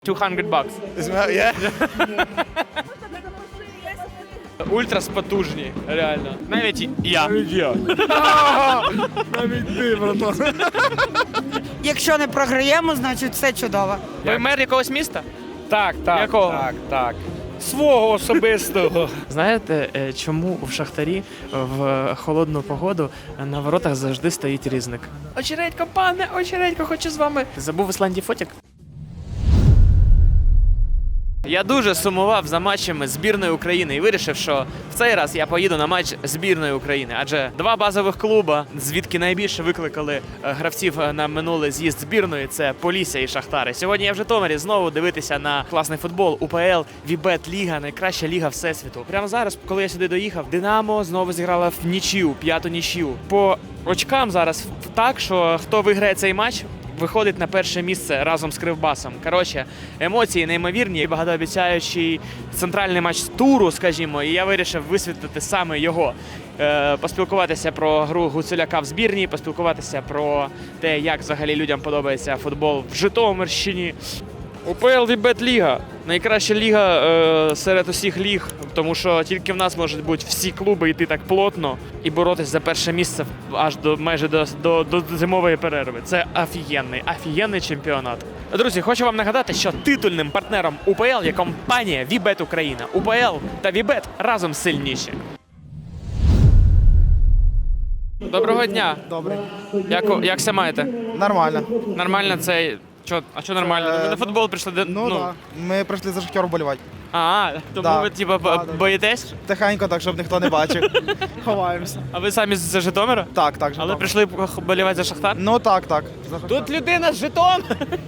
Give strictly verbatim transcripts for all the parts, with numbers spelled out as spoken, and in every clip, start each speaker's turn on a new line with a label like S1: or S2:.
S1: двісті баксів.
S2: Yeah.
S1: Ультрас потужні, реально. Навіть я.
S2: Навіть я. Навіть ти, братан.
S3: Якщо не програємо, значить все чудово.
S1: Ви мер якогось міста?
S2: Так, так,
S1: Якого?
S2: так, так. Свого особистого.
S1: Знаєте, е, чому в Шахтарі в холодну погоду на воротах завжди стоїть різник? Очередько, пане, очередько, хочу з вами. Ти забув в Ісландії фотик? Я дуже сумував за матчами збірної України і вирішив, що в цей раз я поїду на матч збірної України. Адже два базових клуба, звідки найбільше викликали е, гравців на минулий з'їзд збірної, це Полісся і Шахтар. І сьогодні я в Житомирі знову дивитися на класний футбол. УПЛ, Вібет Ліга, найкраща ліга всесвіту. Прямо зараз, коли я сюди доїхав, Динамо знову зіграла в нічию, п'яту нічию. По очкам зараз так, що хто виграє цей матч, виходить на перше місце разом з Кривбасом. Коротше, емоції неймовірні, багатообіцяючий центральний матч туру, скажімо, і я вирішив висвітлити саме його. Е, поспілкуватися про гру Гуцуляка в збірні, поспілкуватися про те, як взагалі людям подобається футбол в Житомирщині. УПЛ Вібет Ліга. Найкраща ліга е, серед усіх ліг, тому що тільки в нас можуть бути всі клуби йти так плотно і боротись за перше місце аж до майже до, до, до зимової перерви. Це офігенний, офігенний чемпіонат. Друзі, хочу вам нагадати, що титульним партнером УПЛ є компанія Вібет Україна. УПЛ та Вібет разом сильніші. Доброго дня.
S4: Добре.
S1: Як, як ся маєте?
S4: Нормально.
S1: Нормально це... Чо, а що нормально?
S4: Е,
S1: Ви на футбол прийшли? де-
S4: Ну, да. Ми прийшли за Шахтер вболівати.
S1: А, тому
S4: Да.
S1: ви типа
S4: Да, да, да.
S1: боїтесь?
S4: Тихенько, так, щоб ніхто не бачив. Ховаємося.
S1: А ви самі з Житомира?
S4: Так, так.
S1: Але
S4: Житомир.
S1: прийшли болівати за Шахтар?
S4: Ну так, так. За Шахтер.
S1: Тут людина з Житомира.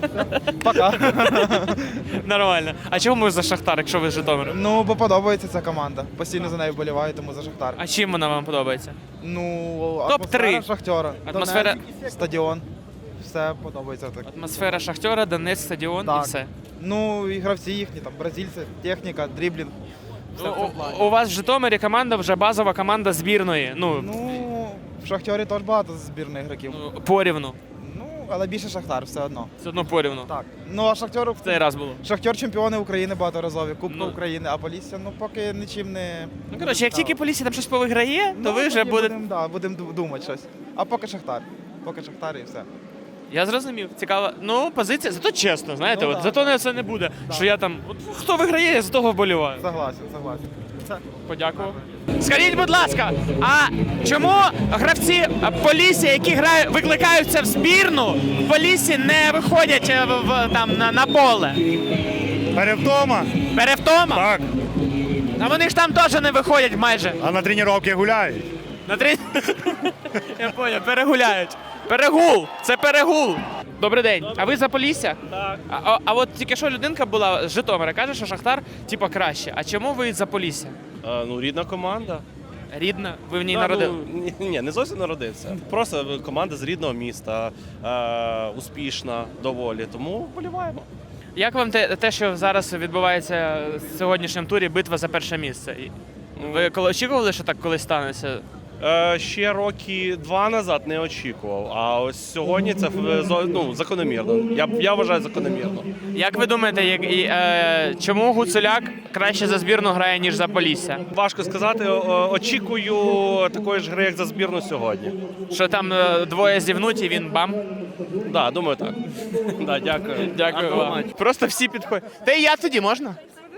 S4: Пока.
S1: Нормально. А чому ви за Шахтар, якщо ви з Житомира?
S4: Ну, бо подобається ця команда. Постійно за нею вболіваю, тому за Шахтар.
S1: А чим вона вам подобається?
S4: Ну,
S1: Топ-три.
S4: атмосфера Шахтера.
S1: Атмосфера-
S4: Донецьк, стадіон. Все подобається так.
S1: Атмосфера Шахтера, Донецьк, стадіон
S4: Так.
S1: і все.
S4: Ну, і гравці їхні, там, бразильці, техніка, дріблінг. Все в
S1: У,
S4: цьому плані.
S1: у вас в Житомирі команда вже базова команда збірної. Ну,
S4: Ну, в Шахтері теж багато збірних ігроків.
S1: ну, порівну.
S4: Ну, але більше Шахтар, все одно.
S1: Все одно порівну.
S4: Так. Ну, а Шахтер
S1: В цей раз було.
S4: Шахтер чемпіони України багаторазові, Кубка
S1: Ну.
S4: України, а Полісся, ну поки нічим не.
S1: Ну, коротше, як тільки Полісся там щось повиграє,
S4: Ну,
S1: то ви вже
S4: тоді
S1: будете...
S4: Будемо да, будем ду- думати щось. А поки Шахтар. Поки Шахтар і все.
S1: Я зрозумів. Цікаво. Ну, позиція, зато чесно, знаєте,
S4: Ну,
S1: от
S4: да.
S1: зато не це не буде. Що я там. От, хто виграє, я з того вболіваю.
S4: Согласен, согласен. Все.
S1: Подякував. Скажіть, будь ласка, а чому гравці Полісся, які грають, викликаються в збірну, в Поліссі не виходять е, в, в- там на, на поле?
S2: Перевдома?
S1: Перевтома?
S2: Так.
S1: А вони ж там теж не виходять майже.
S2: А на тренування гуляють.
S1: На три... Я поняв, перегуляють. Перегул! Це перегул! Добрий день. А ви за Полісся? Так. А, а, а от тільки що людинка була з Житомира, каже, що Шахтар типа краще. А чому ви за Полісся?
S5: А, ну, рідна команда.
S1: Рідна? Ви в ній
S5: Та,
S1: народили?
S5: ну, ні, ні, не зовсім народився. Просто команда з рідного міста, е, успішна доволі, тому вболіваємо.
S1: Як вам те, те, що зараз відбувається в сьогоднішньому турі битва за перше місце? І Ви коли очікували, що так колись станеться?
S5: Е, ще роки два назад не очікував, а ось сьогодні це е, зо- ну, закономірно. Я, я вважаю закономірно.
S1: Як ви думаєте, як, і, е, чому Гуцуляк краще за збірну грає, ніж за Полісся?
S5: Важко сказати, о- очікую такої ж гри, як за збірну сьогодні.
S1: Що там е, двоє зівнуть і він бам?
S5: Да, думаю так. Да, дякую.
S1: Дякую
S5: Гарного
S1: вам.
S5: матчу.
S1: Просто всі підходять. Та і я тоді можна?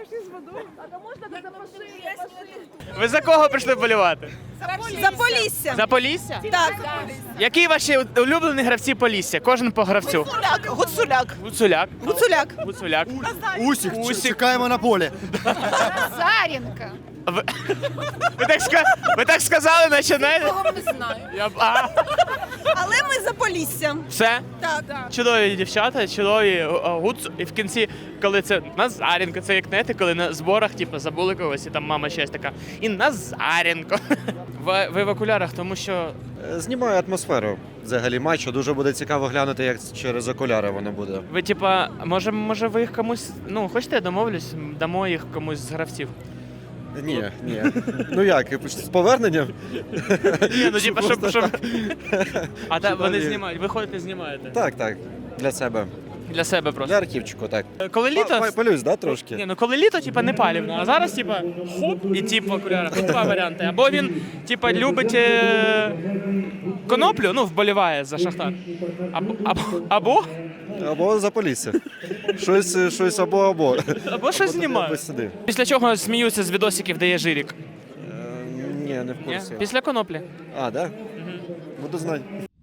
S1: Ви за кого прийшли вболівати?
S3: За Полісся.
S1: За Полісся?
S3: Так.
S1: Які ваші улюблені гравці Полісся? Кожен по гравцю.
S3: Гуцуляк. Гуцуляк.
S1: Гуцуляк.
S3: Гуцуляк.
S1: Гуцуляк.
S2: Усік,
S1: Усік.
S2: чекаємо на полі.
S6: Зарінка.
S1: Ви, ви, так, ска... ви так сказали, наче знаєте?
S6: Кого не знаю.
S1: Я... б- А,
S3: Але ми за Полісся.
S1: все?
S3: Так.
S1: Чудові дівчата, чудові е, гуц. І в кінці, коли це Назаренко, це як знаєте, коли на зборах типу, забули когось, і там мама щось така. І Назаренко. Ви, ви в окулярах, тому що
S7: Знімаю атмосферу взагалі матчу. Дуже буде цікаво глянути, як через окуляри воно буде.
S1: ви, типа, може, може ви їх комусь. Ну, хочете, я домовлюсь, дамо їх комусь з гравців.
S7: Ні, ні. Ну як, з поверненням?
S1: Ні, ну типа, щоб. щоб... А та,
S7: Щоб
S1: вони
S7: вони-
S1: знімають, ви ходите, знімаєте.
S7: Так, так, для себе.
S1: Для себе просто.
S7: Для архівчику, так.
S1: Коли літо.
S7: Па- Палюсь, да, трошки?
S1: Ні, ну коли літо, типа, не палівно, а зараз, типа, хоп, і тип в окулярах. Тут два варіанти. Або він, типа, любить е... коноплю, ну, вболіває за Шахтар. Або, або, або,
S7: Або за Полісся. Щось, щось або-або.
S1: або щось
S7: Або
S1: знімає.
S7: сюди.
S1: Після чого сміються з відосиків, де є жирік.
S7: Е, Ні, не в
S1: Ні?
S7: курсі.
S1: Після коноплі.
S7: А, да? Буду знати.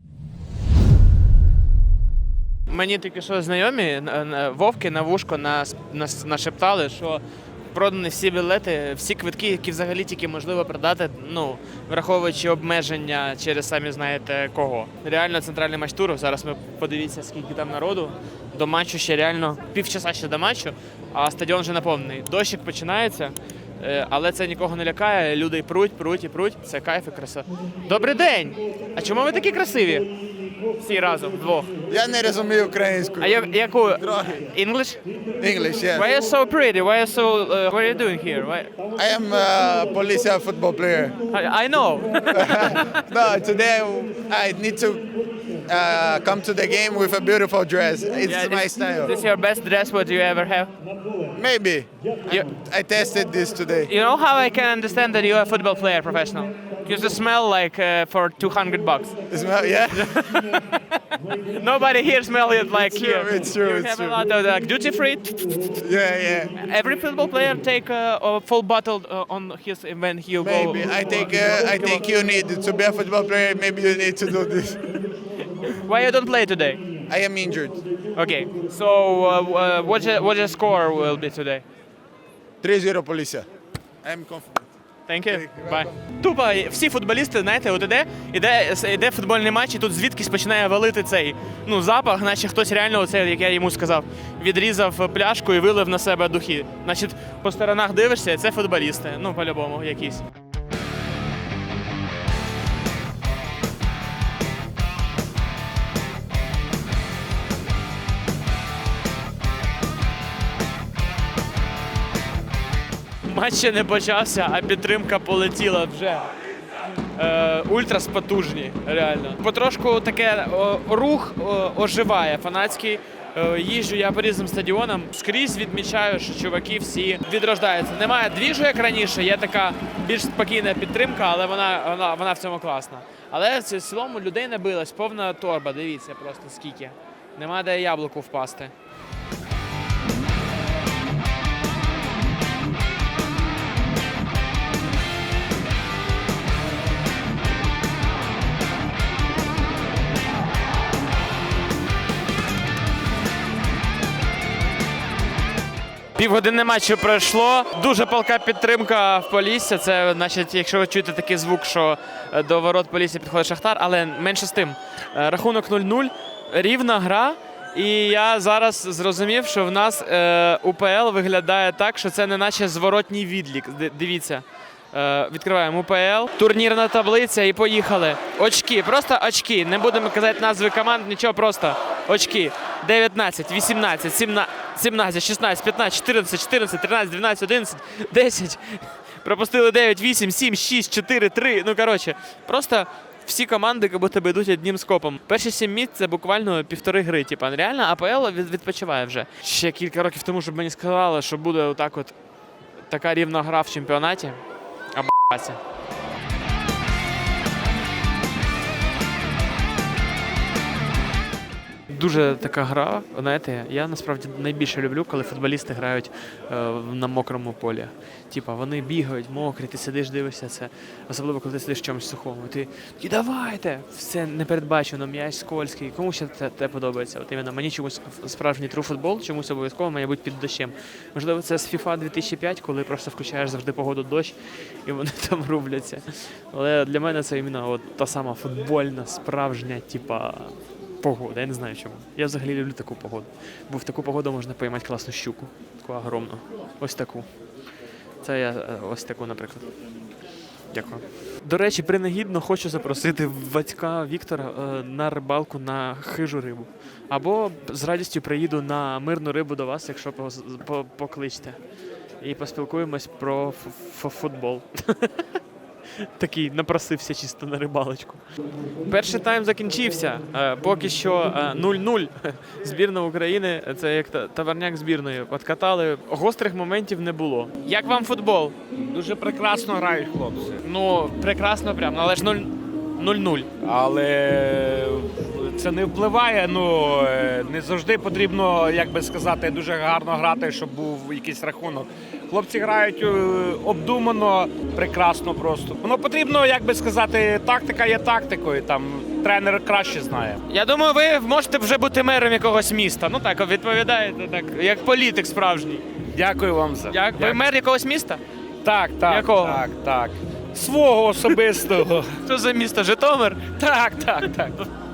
S1: Мені тільки що знайомі н- н- вовки на вушко нас, нас нашептали, що продані всі білети, всі квитки, які взагалі тільки можливо продати, ну, враховуючи обмеження через самі знаєте кого. Реально центральний матч туру. Зараз ми подивіться, скільки там народу. До матчу ще реально півчаса ще до матчу, а стадіон вже наповнений. Дощик починається, е, але це нікого не лякає. Люди й пруть, пруть і пруть. Це кайф і краса. Добрий день! А чому ви такі красиві? Всі разом, вдвох.
S2: Я не розумію українську.
S1: А я, яку?
S2: Трохи.
S1: English?
S2: English, yeah.
S1: Why are you so pretty? Why are you so... Uh, what are you doing here? Why...
S2: I am a Policia football player.
S1: I, I know.
S2: No, today I need to uh, come to the game with a beautiful dress. It's
S1: Yeah,
S2: my
S1: this,
S2: style.
S1: This is your best dress what you ever have?
S2: Maybe.
S1: You,
S2: I tested this today.
S1: you know how I can understand that you're a football player professional? Because you smell like uh, for two hundred bucks.
S2: Smell, yeah?
S1: Nobody here smell it like
S2: It's
S1: here.
S2: true, it's true,
S1: You
S2: it's
S1: have
S2: true.
S1: a lot of like, duty free.
S2: Yeah, yeah.
S1: Every football player take uh, a full bottle uh, on his when he go.
S2: Maybe. I think uh, I think you need to be a football player. Maybe you need to do this.
S1: Why you don't play today?
S2: I am injured.
S1: Okay. So uh, uh, what the, what the score will be today?
S2: three zero Policia. I am confident.
S1: Thank you. Bye. Тупо всі футболісти, знаєте, от іде, іде, іде футбольний матч, і тут звідкись починає валити цей ну, запах, наче хтось реально, оце, як я йому сказав, відрізав пляшку і вилив на себе духи. Значить, по сторонах дивишся, це футболісти, ну, по-любому, якісь. Матч ще не почався, а підтримка полетіла вже. Е, ультрас потужні, реально. Потрошку таке о, рух о, оживає фанатський. Е, їжджу я по різним стадіонам. Скрізь відмічаю, що чуваки всі відрождаються. Немає двіжу, як раніше, є така більш спокійна підтримка, але вона, вона, вона в цьому класна. Але в цілому людей набилась, повна торба, дивіться просто скільки. Нема де яблуку впасти. Півгодини матчу пройшло. Дуже палка підтримка в Полісся. Це, значить, якщо ви чуєте такий звук, що до ворот Полісся підходить Шахтар, але менше з тим. Рахунок нуль нуль, рівна гра. І я зараз зрозумів, що в нас е, УПЛ виглядає так, що це не наче зворотній відлік. Д- Дивіться. Е, відкриваємо УПЛ, турнірна таблиця і поїхали. Очки, просто очки. Не будемо казати назви команд, нічого, просто очки. дев'ятнадцять, вісімнадцять, сімнадцять, шістнадцять, п'ятнадцять, чотирнадцять, чотирнадцять, тринадцять, дванадцять, одинадцять, десять. Пропустили дев'ять, вісім, сім, шість, чотири, три. Ну, коротше, просто всі команди як будто би йдуть одним скопом. Перші сім місць – це буквально півтори гри. Типа, реально АПЛ від- відпочиває вже. Ще кілька років тому, щоб мені сказали, що буде отак от така рівна гра в чемпіонаті. Аб***ся. Дуже така гра, знаєте, я насправді найбільше люблю, коли футболісти грають е, на мокрому полі. Типа вони бігають, мокрі, ти сидиш, дивишся це, особливо коли ти сидиш в чомусь сухому. Ти і давайте! Все непередбачено, м'яч скользкий. Кому ще це, це подобається? От іменно мені чомусь справжній true футбол, чомусь обов'язково має бути під дощем. Можливо, це з FIFA дві тисячі п'ять, коли просто включаєш завжди погоду дощ і вони там рубляться. Але для мене це іменно от та сама футбольна, справжня, типа. Погода, я не знаю чому. Я взагалі люблю таку погоду. Бо в таку погоду можна поймати класну щуку. Таку огромну. Ось таку. Це я е, ось таку, наприклад. Дякую. До речі, принагідно хочу запросити батька Віктора е, на рибалку на хижу рибу. Або з радістю приїду на мирну рибу до вас, якщо поз- по- покличте. І поспілкуємось про ф- ф- футбол. Такий напросився чисто на рибалочку. Перший тайм закінчився. Е, Поки що е, нуль-нуль. Збірна України – це як та- товарняк збірної. Откатали. Гострих моментів не було. Як вам футбол?
S8: Дуже прекрасно грають хлопці.
S1: Ну, прекрасно прям, але ж нуль- нуль-нуль.
S8: Але це не впливає. Ну е, не завжди потрібно, як би сказати, дуже гарно грати, щоб був якийсь рахунок. Хлопці грають е, обдумано, прекрасно просто. Воно потрібно, як би сказати, тактика є тактикою. Там тренер краще знає.
S1: Я думаю, ви можете вже бути мером якогось міста. Ну так, відповідаєте, так, як політик справжній.
S8: Дякую вам за
S1: Як? Ви
S8: Дякую.
S1: мер якогось міста?
S8: Так, так,
S1: Якого?
S8: так, так. Свого особистого.
S1: Що за місто? Житомир?
S8: Так, так, так.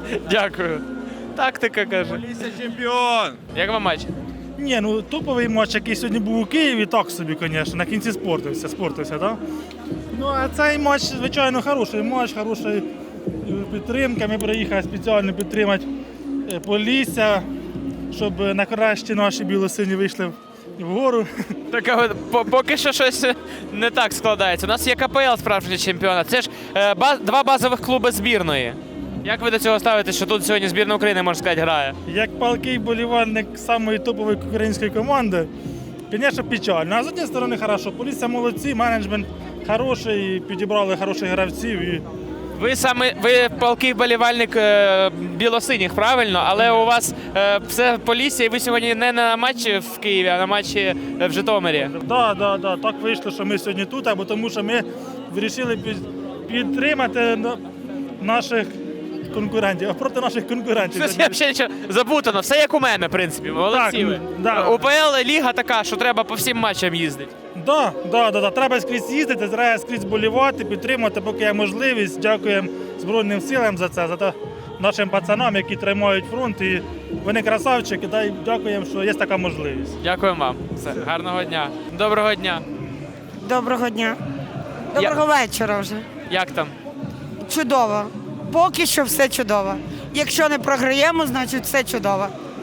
S1: Дякую. Тактика, каже.
S2: Чемпіон!
S1: Як вам матч?
S9: Ні, ну топовий матч, який сьогодні був у Києві, так собі, звісно, на кінці спортився, спортився, так? Ну, а цей матч, звичайно, хороший матч, хороша е, підтримка. Ми приїхали спеціально підтримати е, Полісся, щоб е, нарешті наші білосині вийшли вгору.
S1: Так, а от по- поки що щось не так складається. У нас є ка пе ел справжній чемпіонат. Це ж е, ба- два базових клуби збірної. Як ви до цього ставитесь, що тут сьогодні збірна України, можна сказати, грає?
S9: Як палкий болівальник самої топової української команди, звісно, печально. А з однієї сторони, хорошо, Полісся молодці, менеджмент хороший, підібрали хороших гравців. І...
S1: Ви саме ви палкий болівальник е, білосиніх, правильно? Але у вас е, все Полісся, і ви сьогодні не на матчі в Києві, а на матчі е, в Житомирі.
S9: Да, да, да. Так вийшло, що ми сьогодні тут, або тому що ми вирішили під- підтримати на- наших конкурентів, а проти наших конкурентів.
S1: Щось я взагалі нічого забутано. Все як у мене, в принципі. Молодці
S9: Так,
S1: ви.
S9: да.
S1: У пе ел ліга така, що треба по всім матчам їздити.
S9: Да, да, да, да. Треба скрізь їздити, треба скрізь болівати, підтримати, поки є можливість. Дякуємо Збройним силам за це, за те нашим пацанам, які тримають фронт. І вони красавчики, да, і дякуємо, що є така можливість.
S1: Дякуємо вам. Все. Гарного дня. Доброго дня.
S3: Доброго дня. Доброго вечора вже.
S1: Як там?
S3: Чудово. Поки що все чудово. Якщо не програємо, значить все чудово.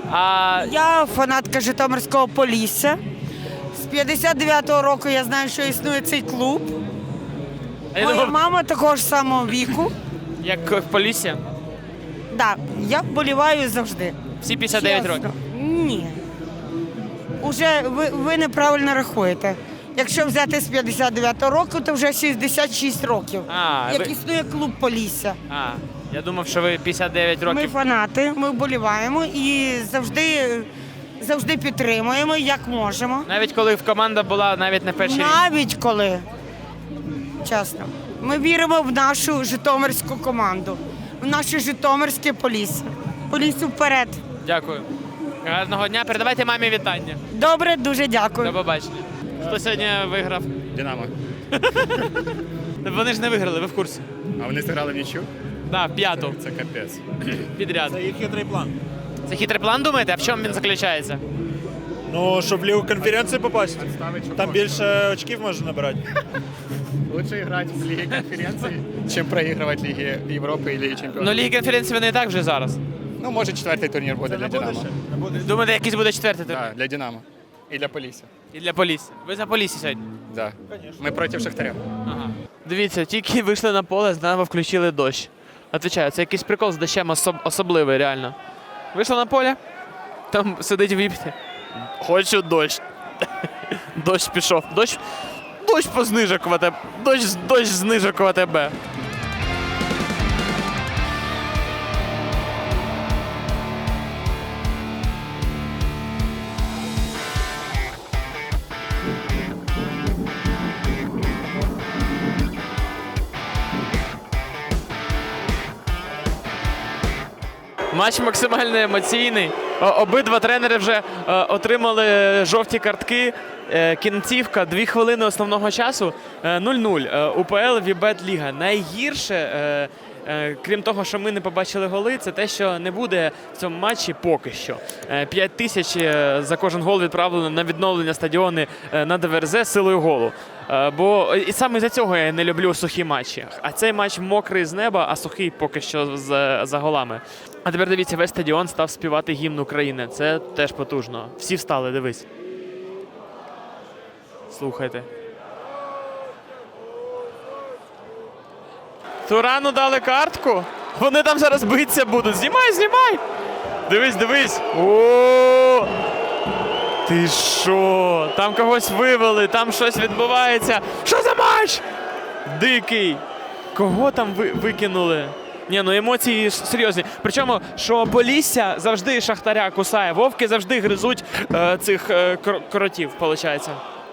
S1: А
S3: Я фанатка Житомирського Полісся. З п'ятдесят дев'ятого року я знаю, що існує цей клуб.
S1: я
S3: Моя
S1: думав,
S3: мама такого ж самого віку.
S1: як в Полісся?
S3: Да, я вболіваю завжди.
S1: Всі п'ятдесят дев'ять
S3: Чесно.
S1: років.
S3: Ні. Уже ви, ви неправильно рахуєте. Якщо взяти з п'ятдесят дев'ятого року, то вже шістдесят шість років.
S1: А,
S3: Як
S1: ви-
S3: існує клуб Полісся.
S1: А, я думав, що ви п'ятдесят дев'ять
S3: Ми
S1: років.
S3: фанати, ми вболіваємо і завжди, завжди підтримуємо, як можемо.
S1: Навіть коли в команда була навіть не перший рік.
S3: Навіть коли, чесно, ми віримо в нашу житомирську команду, в наше житомирське Полісся. Поліссю вперед.
S1: Дякую. Гарного дня. Передавайте мамі вітання.
S3: Добре, дуже дякую.
S1: До побачення. Хто сьогодні виграв?
S10: Динамо.
S1: Вони ж не виграли, ви в курсі.
S10: А вони зіграли в нічю?
S1: Так, п'яту
S10: Це капець.
S1: підряд.
S4: Це їх хитрий план.
S1: Це хитрий план, думаєте? А в чому він заключається?
S4: Ну, щоб в Лігу конференції попасти. Там більше очків можна набирати.
S10: Лучше грати в Лігі конференції, чим проігрувати Ліги Європи і Ліги Чемпіонів.
S1: Ну, Ліги конференції вони і так вже зараз.
S10: Ну, може, четвертий турнір буде для Динамо.
S1: Думаєте, якийсь буде четвертий тур?
S10: Так, для Динамо. І для Полісся.
S1: І для Полісся. Ви за Полісся сьогодні?
S10: Да. Ми проти Шахтаря.
S1: Ага. Дивіться, тільки вийшли на поле, знову включили дощ. Отвічаю, це якийсь прикол з дощем особ- особливий, реально. Вийшли на поле, там сидить віпті. Хочу дощ. Дощ пішов. Дощ, дощ по знижок в АТБ. Дощ, дощ знижок в АТБ. Матч максимально емоційний. О- Обидва тренери вже е, отримали жовті картки. Е, Кінцівка, дві хвилини основного часу. Е, нуль-нуль. Е, УПЛ Вібет Ліга. Найгірше, е, е, крім того, що ми не побачили голи, це те, що не буде в цьому матчі поки що. Е, П'ять тисяч е, за кожен гол відправлено на відновлення стадіони е, на ДВРЗ силою голу. Е, Бо і саме за цього я не люблю сухі матчі. А цей матч мокрий з неба, а сухий поки що з, за голами. А тепер дивіться, весь стадіон став співати гімн України. Це теж потужно. Всі встали, дивись. Слухайте. Турану дали картку. Вони там зараз битися будуть. Знімай, знімай! Дивись, дивись. О! Ти що? Там когось вивели, там щось відбувається. Що за матч? Дикий. Кого там ви викинули? Ні, ну емоції ж серйозні. Причому, що Полісся завжди Шахтаря кусає. Вовки завжди гризуть е, цих е, кр- кротів, виходить.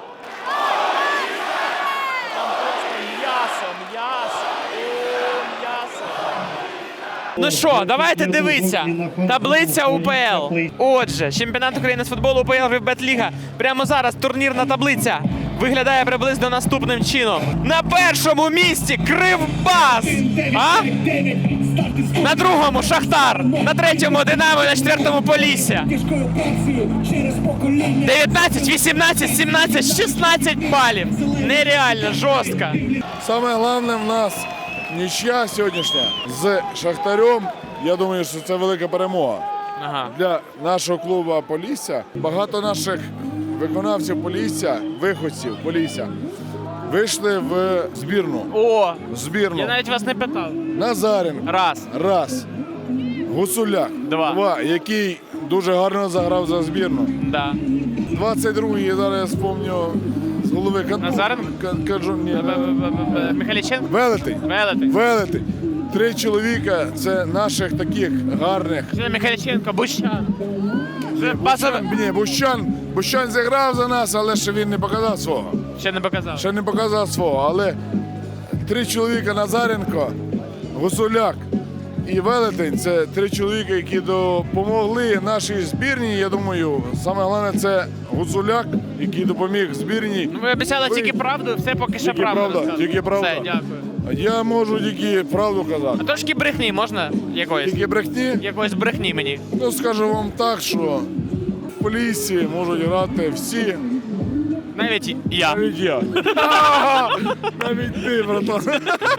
S1: Ну що, давайте дивитися. Таблиця УПЛ. Отже, чемпіонат України з футболу УПЛ Вібет-ліга. Прямо зараз турнірна таблиця виглядає приблизно наступним чином. На першому місці Кривбас. А? На другому Шахтар. На третьому Динамо, на четвертому Полісся. дев'ятнадцять, вісімнадцять, сімнадцять, шістнадцять балів. Нереально, жорстко.
S11: Саме головне в нас нічия сьогоднішня з Шахтарем. Я думаю, що це велика перемога.
S1: Ага.
S11: Для нашого клубу Полісся. Багато наших виконавців Полісся, виходців Полісся, вийшли в збірну.
S1: О,
S11: Збірну.
S1: я навіть вас не питав.
S11: Назаренко.
S1: Раз.
S11: Раз. Гусуляк.
S1: Два.
S11: Два. Який дуже гарно заграв за збірну.
S1: Да.
S11: двадцять другий, зараз я спомню з голови. Кан-
S1: Назаренко?
S11: Кан- Кажу, ні.
S1: Михайліченко?
S11: Велетень.
S1: Велетень.
S11: Велетень. Три чоловіка це наших таких гарних.
S1: Михайліченко, Бущан. Вже базове.
S11: Ні, Бущан, Бущан зіграв за нас, але ще він не показав свого.
S1: Ще не показав.
S11: Ще не показав свого. Але три чоловіка Назаренко, Гусуляк і Велетень це три чоловіка, які допомогли нашій збірній. Я думаю, саме головне це Гусуляк, який допоміг збірній.
S1: Ну, ви обіцяли
S11: Ви-
S1: тільки правду, все поки що
S11: Тільки
S1: правда.
S11: правда,
S1: розказуєте.
S11: тільки правда.
S1: Все, дякую.
S11: Я можу тільки правду
S1: А
S11: казати.
S1: трошки брехні можна якоїсь?
S11: Тільки брехні.
S1: Якоїсь брехні мені.
S11: Ну, скажу вам так, що в Поліссі можуть грати всі,
S1: Навіть я.
S11: навіть я. Навіть ти, братан.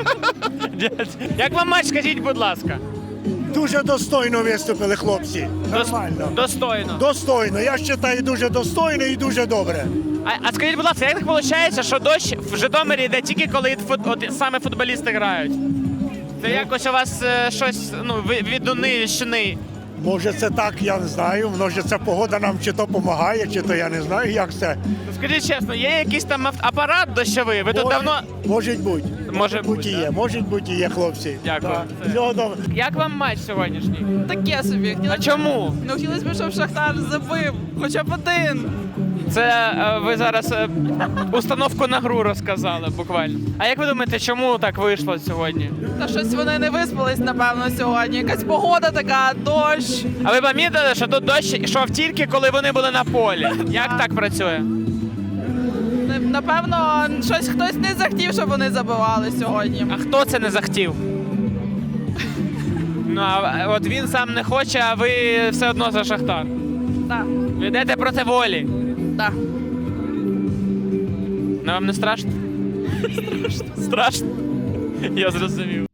S1: Як вам матч, скажіть, будь ласка?
S12: Дуже достойно виступили хлопці.
S1: Дос-
S12: Нормально.
S1: Достойно.
S12: Достойно. Я вважаю, дуже достойно і дуже добре.
S1: А, а скажіть, будь ласка, як так виходить, що дощ в Житомирі йде тільки коли фут, от, саме футболісти грають? Це якось у вас е, щось ну, ви- відуни, щини.
S12: Може це так, я не знаю. Може ця погода нам чи то допомагає, чи то я не знаю, як це.
S1: Ну, скажіть чесно, є якийсь там ав- апарат дощовий? Ви тут
S12: Може-
S1: давно.
S12: Може бути.
S1: Може бути,
S12: бути і
S1: да?
S12: є. Може бути і є, хлопці.
S1: Дякую.
S12: Так.
S1: Це-
S12: Всього добре.
S1: Як вам матч сьогоднішній?
S6: Таке собі.
S1: А чому?
S6: Ну, хотілося б, щоб Шахтар забив хоча б один.
S1: Це е, ви зараз е, установку на гру розказали буквально. А як ви думаєте, чому так вийшло сьогодні?
S6: Та щось вони не виспались, напевно, сьогодні. Якась погода така, дощ.
S1: А ви помітили, що тут дощ йшов тільки коли вони були на полі? Як так працює?
S6: Не- Напевно, щось хтось не захотів, щоб вони забивали сьогодні.
S1: А хто це не захотів? Ну, а от він сам не хоче, а ви все одно за Шахтар.
S6: Так,
S1: Ви йдете проти волі.
S6: так.
S1: Ну вам не страшно? Страшно. Страшно? Я зрозумів.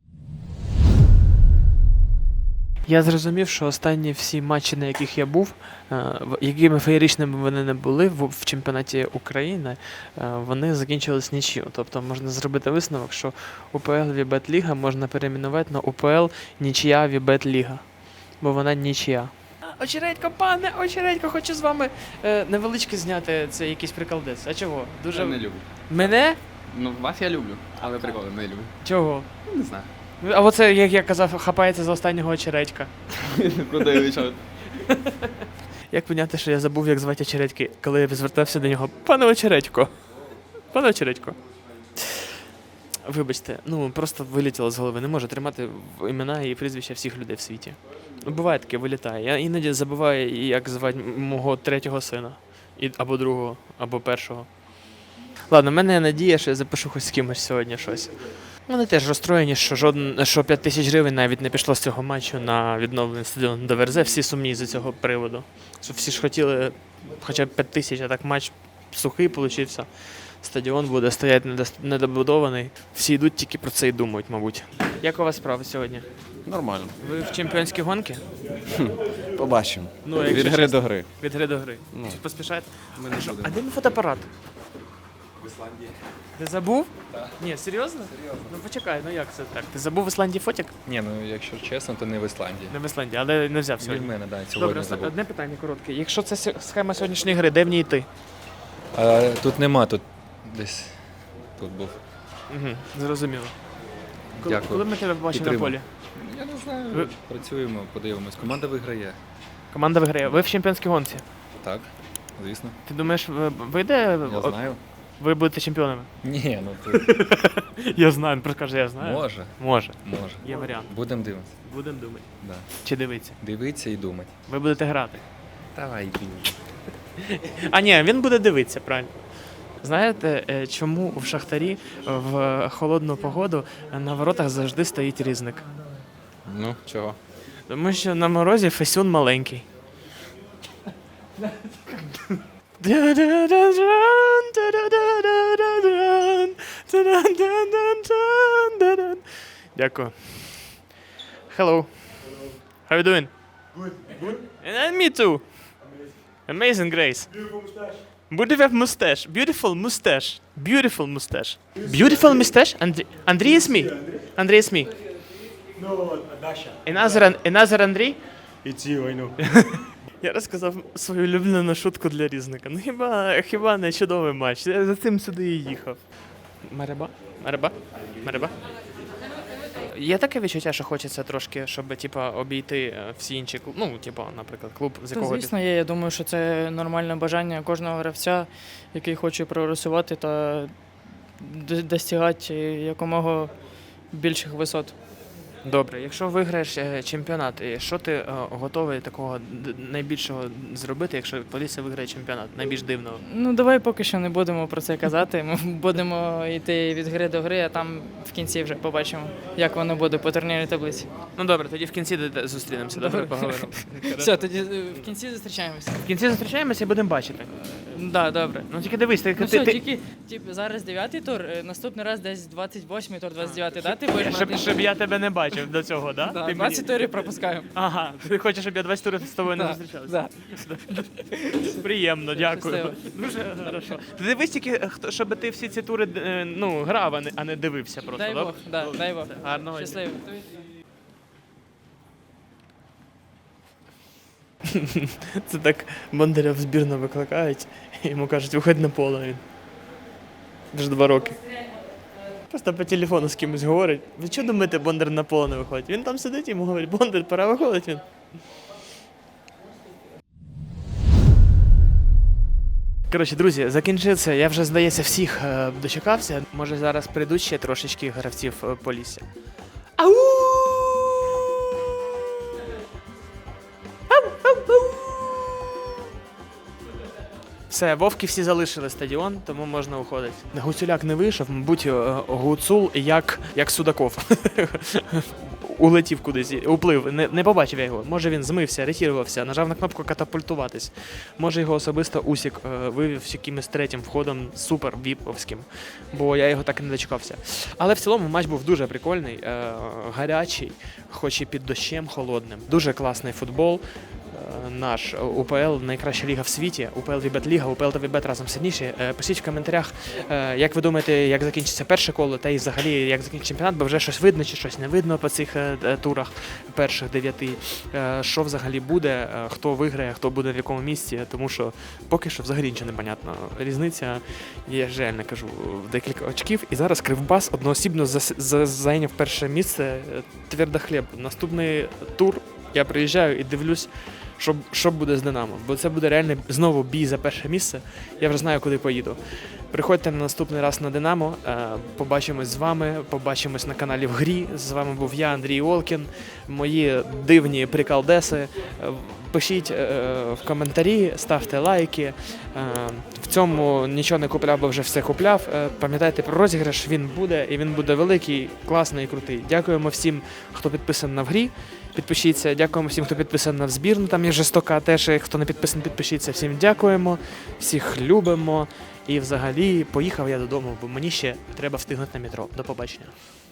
S1: Я зрозумів, що останні всі матчі, на яких я був, е, в- якими феєричними вони не були в, в чемпіонаті України, е, вони закінчились нічию. Тобто можна зробити висновок, що УПЛ Вібет Ліга можна перейменувати на УПЛ Нічия Вібет Ліга. Бо вона нічия. Очередько, пане, очередько, хочу з вами е, невеличке зняти це якийсь приколдець. А чого? Дуже...
S10: Я не люблю.
S1: Мене?
S10: Ну, вас я люблю, але приколи не люблю.
S1: Чого?
S10: Не знаю.
S1: А оце, як я казав, хапається за останнього очередька.
S10: Продаю що.
S1: Як поняти, що я забув, як звати очередьки, коли я звертався до нього. Пане очередько. Пане очередько. Вибачте, ну просто вилетіло з голови. Не можу тримати в- імена і прізвища всіх людей в світі. Ну, буває таке, вилітає. Я іноді забуваю, як звати м- мого третього сина. І, або другого, або першого. Ладно, в мене є надія, що я запишу хоч з кимось сьогодні щось. Вони теж розстроєні, що жоден, що п'ять тисяч гривень навіть не пішло з цього матчу на відновлення стадіону до Верзе. Всі сумні з цього приводу. Що всі ж хотіли хоча б п'ять тисяч, а так матч сухий получився. Стадіон буде стояти недос- недобудований. Всі йдуть тільки про це і думають, мабуть. Як у вас справи сьогодні?
S10: Нормально.
S1: Ви в чемпіонській гонки?
S10: Побачимо.
S1: Ну,
S10: Від
S1: якщо
S10: гри
S1: чесно.
S10: до гри.
S1: Від гри до гри.
S10: Ну.
S1: Чи поспішаєте?
S10: Ми не
S1: Що,
S10: будемо.
S1: а де мій фотоапарат? Ісландії. Ти забув? Так. Ні, серйозно? Серйозно. Ну почекай, ну як це так? Ти забув в Ісландії фотик?
S13: Ні, ну якщо чесно, то не в Ісландії.
S1: Не в Ісландії, але не взяв сьогодні.
S13: Від мене, так, сьогодні
S1: Добре,
S13: забув.
S1: одне питання коротке. Якщо це с- схема сьогоднішньої гри, де в ній йти?
S13: А, тут нема, тут десь тут був.
S1: Угу, зрозуміло. Коли,
S13: Дякую.
S1: коли ми тебе побачимо на
S13: Підтримую.
S1: полі?
S13: Я не знаю,
S1: Ви-
S13: працюємо, подивимось. Команда виграє.
S1: Команда виграє. Ви в чемпіонській гонці.
S13: Так, звісно.
S1: Ти думаєш, ви- вийде?
S13: Я
S1: о-
S13: знаю.
S1: Ви будете чемпіонами?
S13: Ні, ну тут
S1: Я знаю, він просто каже, я знаю.
S13: може.
S1: Може.
S13: Може.
S1: Є варіант.
S13: Будемо дивитися.
S1: Будемо думати.
S13: Да.
S1: Чи дивитися?
S13: Дивитися і думати.
S1: Ви будете грати.
S13: Давай, йди.
S1: А ні, він буде дивитися, правильно. Знаєте, е, чому в Шахтарі в холодну погоду на воротах завжди стоїть різник?
S10: Ну, чого?
S1: Тому що на морозі фесюн маленький. Дякую. Hello. How you doing? Good. Good? And me too. Amazing, Grace. Beautiful mustache. Beautiful mustache. Beautiful mustache. Beautiful mustache. And Andrei is me. Andrei is me.
S9: No, Dasha.
S1: Another, another Андрій?
S9: It's you, I know.
S1: Я розказав свою улюблену шутку для різника. Ну хіба, хіба не чудовий матч? Я за цим сюди і їхав. Мереба? Мереба? Мереба? Є таке відчуття, що хочеться трошки, щоб типа, обійти е, всі інші клуби. Ну, типа, наприклад, клуб, з
S6: Та,
S1: якого ти-
S6: звісно, є. Я думаю, що це нормальне бажання кожного гравця, який хоче прогресувати та д- достигати якомога більших висот.
S1: Добре, якщо виграєш е, чемпіонат, е, що ти е, готовий такого д- найбільшого зробити, якщо Полісся виграє чемпіонат? Найбільш дивного?
S6: Ну, давай поки що не будемо про це казати. Ми будемо йти від гри до гри, а там в кінці вже побачимо, як воно буде по турнірній таблиці.
S1: Ну добре, тоді в кінці д- д- зустрінемося, добре, поговоримо.
S6: Все, тоді е, в кінці зустрічаємося.
S1: В кінці зустрічаємося і будемо бачити.
S6: Так, да, добре.
S1: Ну тільки дивись, ти,
S6: Ну
S1: ти,
S6: все,
S1: ти-
S6: тільки типу, зараз дев'ятий тур, е, наступний раз десь двадцять восьмий тур, двадцять дев'ятий, да? Ти будеш
S1: щоб,
S6: брати?
S1: щоб я тебе не бачив до цього, да?
S6: Да,
S1: Ти
S6: двадцять турів пропускаємо.
S1: Ага, ти хочеш, щоб я двадцять турів з тобою не
S6: Да,
S1: зустрічався? Приємно, дякую.
S6: щасливо.
S1: Дуже хорошо. Ти дивись тільки, е, хто- щоб ти всі ці тури е, ну, грав, а не, а не дивився просто.
S6: Дай
S1: добре?
S6: Бог, да, дай Бог.
S1: Гарного дня.
S6: Щасливо.
S1: Це так Бондаря в збірну викликають, і йому кажуть, виходь на поле. Він вже два роки. Просто по телефону з кимось говорить. Ви чого думаєте, Бондар на поле не виходить? Він там сидить і йому говорить, Бондар, пора виходить він. Коротше, друзі, закінчився. Я вже, здається, всіх е, дочекався. Може, зараз прийдуть ще трошечки гравців е, Полісся. Ау! Ау, ау, ау! Все, вовки всі залишили стадіон, тому можна уходити. Гуцуляк не вийшов, мабуть, е, Гуцул як, як Судаков. Улетів кудись, уплив, не, не побачив я його. Може він змився, ретірувався, нажав на кнопку катапультуватись. Може його особисто Усік е, вивів з якимось третім входом супер віповським, бо я його так і не дочекався. Але в цілому матч був дуже прикольний, е, гарячий, хоч і під дощем холодним. Дуже класний футбол. Е, Наш УПЛ найкраща ліга в світі, УПЛ Вібет Ліга, УПЛ та Вібет разом сильніші. Е, Пишіть в коментарях, е, як ви думаєте, як закінчиться перше коло, та і взагалі як закінчиться чемпіонат, бо вже щось видно чи щось не видно по цих е, е, турах перших дев'яти. Е, Що взагалі буде, е, хто виграє, хто буде в якому місці, тому що поки що взагалі нічого не понятно. Різниця, я ж реально кажу, в декілька очків. І зараз Кривбас одноосібно зас- за- зайняв перше місце. е, Твердохліб. Наступний тур я приїжджаю і дивлюсь, що, що буде з Динамо. Бо це буде реально знову бій за перше місце. Я вже знаю, куди поїду. Приходьте на наступний раз на Динамо. е, Побачимось з вами, побачимось на каналі В Грі. З вами був я, Андрій Олкін, мої дивні приколдеси. Е, Пишіть е, в коментарі, ставте лайки. Е, В цьому нічого не купляв, бо вже все купляв. Е, Пам'ятайте про розіграш, він буде, і він буде великий, класний і крутий. Дякуємо всім, хто підписаний на В Грі. Підпишіться. Дякуємо всім, хто підписаний на збірну. Там є жестока теж. Хто не підписаний, підпишіться. Всім дякуємо. Всіх любимо. І взагалі поїхав я додому, бо мені ще треба встигнути на метро. До побачення.